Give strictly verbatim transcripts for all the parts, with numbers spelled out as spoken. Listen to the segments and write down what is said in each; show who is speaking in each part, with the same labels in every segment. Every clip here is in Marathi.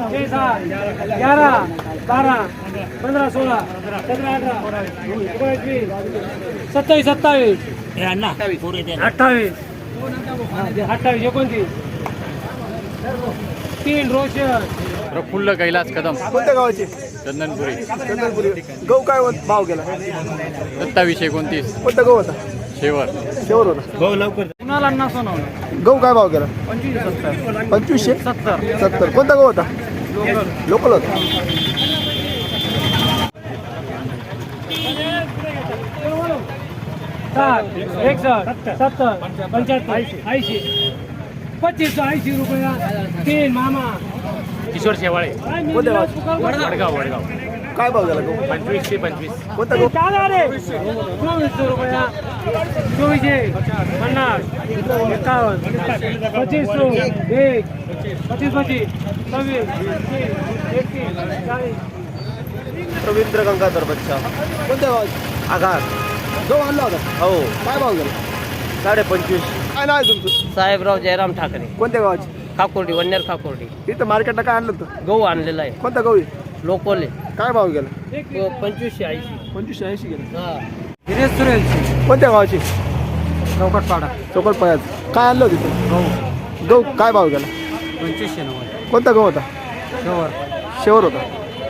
Speaker 1: छह सात ग्यारह बारह पंद्रह सोलह सत्रह अठारह एकोणीस वीस सत्तावीस सत्तावीस अठ्ठावीस अठ्ठावीस एकोणतीस तीन रोशन
Speaker 2: प्रफुल्ल कैलास कदम
Speaker 3: कोणत्या गावाचे?
Speaker 2: चंदनपुरी
Speaker 3: चंदनपुरी. गहू काय भाव गेला?
Speaker 2: सत्तावीस एकोणतीस
Speaker 3: कोणता गहू होता?
Speaker 2: शेवर
Speaker 3: शेवर होता.
Speaker 1: कुणाला ना सोनवलं
Speaker 3: गहू काय भाव गेला?
Speaker 1: पंचवीस सत्तर
Speaker 3: पंचवीसशे
Speaker 1: सत्तर
Speaker 3: सत्तर. कोणता गहू होता? लोकल होता.
Speaker 1: साठ एकसष्ट सत्तर पंच्याहत्तर ऐंशी पच्चीस ऐंशी रुपया तीन मामा
Speaker 2: किशोर शेवाळे
Speaker 3: कोणत्या गावाचे?
Speaker 2: वडगाव वडगाव
Speaker 3: काय भाव गेला गहू?
Speaker 2: पंचवीसशे पंचवीस
Speaker 3: कोणता गहू?
Speaker 1: चोवीसशे रुपया चोवीसशे पन्नास एकावन्न पच्चीस सो एक पच्चीस पच्चीस सव्वीस एकतीस चाळीस
Speaker 3: रवींद्र गंगाधर बच्चा. कोणत्या गावाचे? आघार. गहू आणला होता? हो. काय भाव गेला?
Speaker 4: साडे पंचवीस.
Speaker 3: काय नाव आहे तुमचं?
Speaker 4: साहेबराव जयराम ठाकरे,
Speaker 3: कोणत्या गावाचे?
Speaker 4: खाकोर्डी, वन्नेर खाकोर्डी.
Speaker 3: इथं मार्केटला काय आणलं होतं?
Speaker 4: गहू आणलेला आहे,
Speaker 3: कोणता गहू आहे?
Speaker 4: लोकोले.
Speaker 3: काय भाव गेला?
Speaker 4: तो पंचवीसशे ऐंशी.
Speaker 3: पंचवीसशे ऐंशी गेला.
Speaker 1: हिरेश सुरेश
Speaker 3: कोणत्या गावाचे?
Speaker 1: चौकटपाडा
Speaker 3: चौकट पळ्यात. काय आणलं होतं तिथं?
Speaker 1: गहू
Speaker 3: गहू काय भाव गेला?
Speaker 1: पंचवीसशे नव्वद
Speaker 3: कोणता गहू होता?
Speaker 1: शवर
Speaker 3: शेवर होता.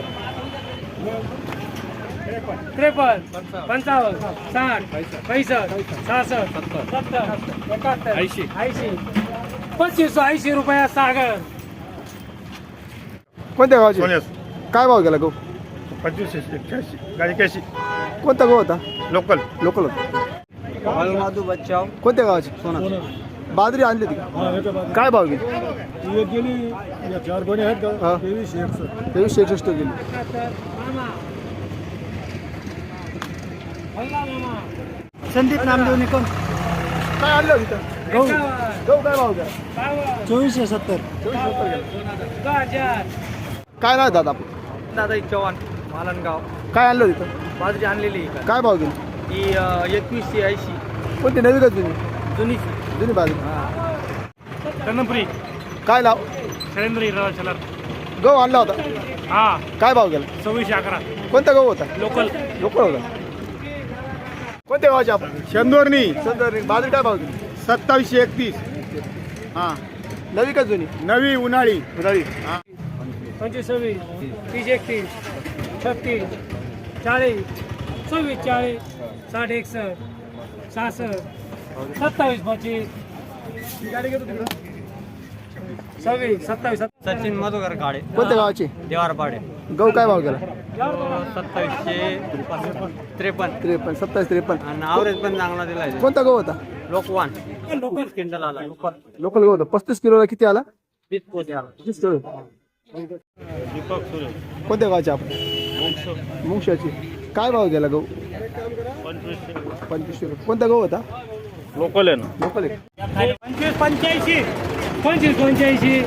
Speaker 1: त्रेपन्न पंचावन्न साठ पैसष्ट सहासष्ट सत्तर एकाहत्तर
Speaker 2: ऐंशी.
Speaker 1: ऐंशी पच्चीस ऐंशी रुपया सागर
Speaker 3: कोणत्या गावाचे? काय भाव गेला गहू?
Speaker 5: पंचवीसशे एक्क्याऐंशी गाडी कॅशी
Speaker 3: कोणता गहू होता?
Speaker 5: लोकल.
Speaker 3: लोकल होता.
Speaker 4: माधू बच्चाव,
Speaker 3: कोणत्या गावाचे? सोना. बाजरी आणली होती का? काय भाव गेली?
Speaker 5: गेली चार गोणी आहेत का?
Speaker 3: हा.
Speaker 5: तेवीसशे एकसष्ट.
Speaker 3: तेवीसशे एकसष्ट गेली.
Speaker 1: संदीप नामदेव निकम
Speaker 3: काय आणलं होतं तिथं? गहू गहू काय भाव गेला?
Speaker 1: चोवीसशे सत्तर
Speaker 3: चोवीस सत्तर गेला.
Speaker 1: हजार
Speaker 3: काय नाही दादा आपण?
Speaker 4: दादा चव्हाण, मालनगाव.
Speaker 3: काय आणलं तिथं?
Speaker 4: बाजरी आणलेली आहे
Speaker 3: काय भाव गेली?
Speaker 4: ही एकवीसशे ऐंशी.
Speaker 3: कोणती नवी का जुनी?
Speaker 4: जुनीची.
Speaker 3: जुनी बाजरी.
Speaker 1: चंदनपुरी
Speaker 3: काय लाव?
Speaker 1: शैलेंद्र चलर
Speaker 3: गहू आणला होता?
Speaker 1: हा
Speaker 3: काय भाव गेला?
Speaker 1: सव्वीसशे अकरा
Speaker 3: कोणता गहू होता?
Speaker 1: लोकल
Speaker 3: लोकल होता. कोणत्या गावाचे आपण?
Speaker 5: चंदोरनी
Speaker 3: संदर्भ. बाजरी काय भाव गेली?
Speaker 5: सत्तावीसशे एकतीस. हां
Speaker 3: नवी का जुनी?
Speaker 5: नवी उन्हाळी.
Speaker 3: नवी.
Speaker 1: पंचवीस सव्वीस तीस एकतीस छत्तीस चाळीस सव्वीस चाळीस साठ एकसष्ट सहासष्ट सत्तावीस पच्चीस सव्वीस सत्तावीस
Speaker 4: सचिन मधुकर काळे,
Speaker 3: कोणत्या गावाचे?
Speaker 4: देवारपाडे.
Speaker 3: गहू काय भाव गेला?
Speaker 4: सत्तावीसशे त्रेपन्न.
Speaker 3: त्रेपन्न सत्तावीस त्रेपन्न.
Speaker 4: आणि आवरेज पण चांगला दिलाय.
Speaker 3: कोणता गहू होता?
Speaker 4: लोकवान लोकल क्विंटल आला. लोकल
Speaker 3: लोकल गहू होता. पस्तीस किलोला किती आला?
Speaker 4: वीस पोते आला.
Speaker 3: पस्तीस किलो. कोणत्या गावाचे आपण? मुंगशाची. काय भाव गेला गहू? पंचवीसशे रुपये. कोणता गहू होता?
Speaker 5: लोकल आहे ना.
Speaker 3: लोकल आहे.
Speaker 1: पंचवीस पंच्याऐंशी पंचवीस पंच्याऐंशी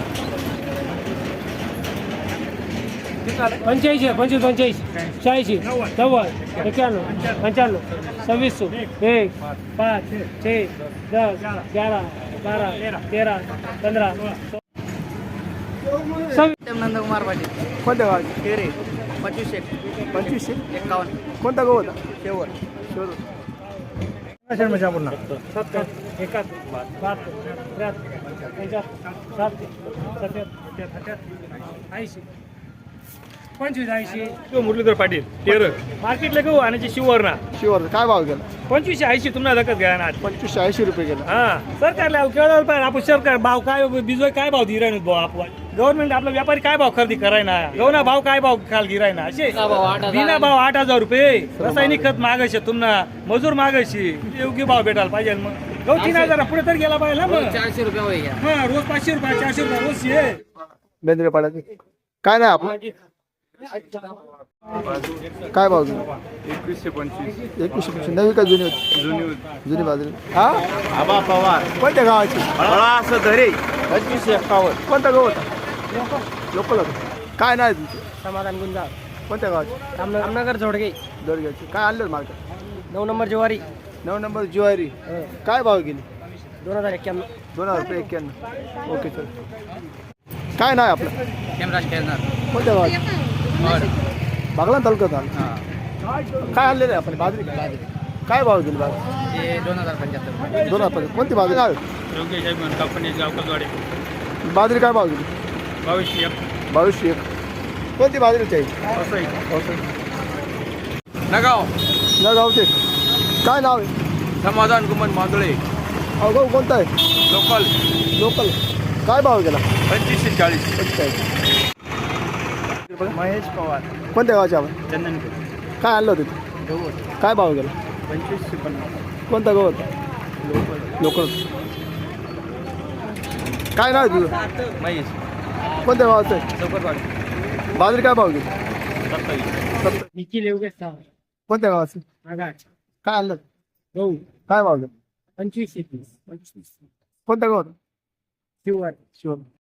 Speaker 1: पंच्याऐंशी पंचवीस पंच्याऐंशी शहाऐंशी नव्वद एक्क्याण्णव पंच्याण्णव सव्वीस एक पाच छे दस ग्यारह बारह तेरह पंधरा सव्वीस
Speaker 4: नंदकुमार पाटील,
Speaker 3: कोणत्या गावाचे?
Speaker 4: तेरे पंचवीसशे
Speaker 3: पंचवीसशे.
Speaker 4: एक्कावन्न.
Speaker 3: कोणता गहू होता?
Speaker 4: शेवट.
Speaker 3: शेवर.
Speaker 1: सत्तर एकाहत्तर बहात्तर त्र्याहत्तर पंच्याहत्तर साठ सत्याहत्तर अठ्याहत्तर ऐंशी पंचवीस ऐंशी
Speaker 5: मुरलीधर पाटील तेर
Speaker 1: मार्केटला गहू आणि शिवरना
Speaker 3: शिवर. काय भाव गेला?
Speaker 1: पंचवीसशे ऐंशी तुम्हाला दखत घ्या ना
Speaker 3: पंचवीसशे ऐंशी रुपये गेला.
Speaker 1: हा सरकारला केवळ पाहिजे आपण सरकार भाव काय बिजोय काय भाव दिराय भाऊ आपण गव्हर्नमेंट आपला व्यापारी काय भाव खरेदी कराय ना गहूना भाव काय भाव खाल गिराय ना असे बिना भाव आठ हजार रुपये रासायनिक खत मागायचे तुम्हाला मजूर मागायची योग्य भाव भेटायला पाहिजे मग गहू तीन हजार पुढे तर गेला पाहिजे ना मग
Speaker 4: चारशे रुपये होईल.
Speaker 1: हा रोज पाचशे रुपये चारशे रुपये रोज ये
Speaker 3: बेंद्रे पाड्याचे. काय नाही आपण? काय भाव गेला?
Speaker 5: एकवीसशे पंचवीस.
Speaker 3: एकवीसशे पंचवीस. नवी का जुनी होती?
Speaker 5: जुनी
Speaker 3: जुनी बाजरी. हा.
Speaker 5: आबा पवार
Speaker 3: कोणत्या गावाची?
Speaker 5: असं धरे पंचवीसशे एक्कावन्न.
Speaker 3: कोणता गहू होता? लोकल होता. काय नाही तुमचं?
Speaker 4: समाधान गुंजाळ,
Speaker 3: कोणत्या गावाची?
Speaker 4: रामनगर जोडगे.
Speaker 3: दोडग्याची. काय आणलं मार्केट?
Speaker 4: नऊ नंबर ज्वारी
Speaker 3: नऊ नंबर ज्वारी. काय भाव गेली?
Speaker 4: दोन हजार एक्क्याण्णव.
Speaker 3: दोन हजार रुपये एक्क्याण्णव. Okay sir. काय नाव आहे आपलं
Speaker 2: हेमराज खेळणार
Speaker 3: कोणत्या गावात बागलाण तालुक्यात आलं काय आणलेलं आहे आपण बाजरी काय भाव दिली बाजरी
Speaker 2: ते दोन हजार पंच्याहत्तर
Speaker 3: दोन हजार कोणती बाजरी काय
Speaker 1: योगेश आहे कंपनी गावकरवाडे
Speaker 3: बाजरी काय भाव दिली
Speaker 1: बावीसशे एक
Speaker 3: बावीसशे एक कोणती बाजरी चाहिए
Speaker 5: नगाव
Speaker 3: या गावचे काय नाव आहे
Speaker 5: समाधान कुमार मांदळे
Speaker 3: अहो गाव कोणता आहे
Speaker 5: लोकल
Speaker 3: लोकल काय भाव गेला
Speaker 5: पंचवीसशे चाळीस
Speaker 3: पंचेचाळीस
Speaker 1: महेश पवार
Speaker 3: कोणत्या गावचे आपण
Speaker 1: चंदनपूर
Speaker 3: काय आणलं होतं
Speaker 1: गवत
Speaker 3: काय भाव गेला
Speaker 1: पंचवीसशे पन्नास
Speaker 3: कोणता गाव होता लोकल काय नाव आहे तुझं
Speaker 1: महेश
Speaker 3: कोणत्या गावाचं आहे
Speaker 1: चौकरवाडी
Speaker 3: बाजरी काय भाव गेली
Speaker 1: सत्तावीस
Speaker 4: निखिल योगेश सावंत
Speaker 3: कोणत्या गावाचं
Speaker 4: आगार
Speaker 3: काय आणलं
Speaker 4: गहू
Speaker 3: काय भाव गेला
Speaker 4: पंचवीस एकवीस पंचवीस
Speaker 3: कोणत्या गावात
Speaker 4: शिवर
Speaker 3: शिवम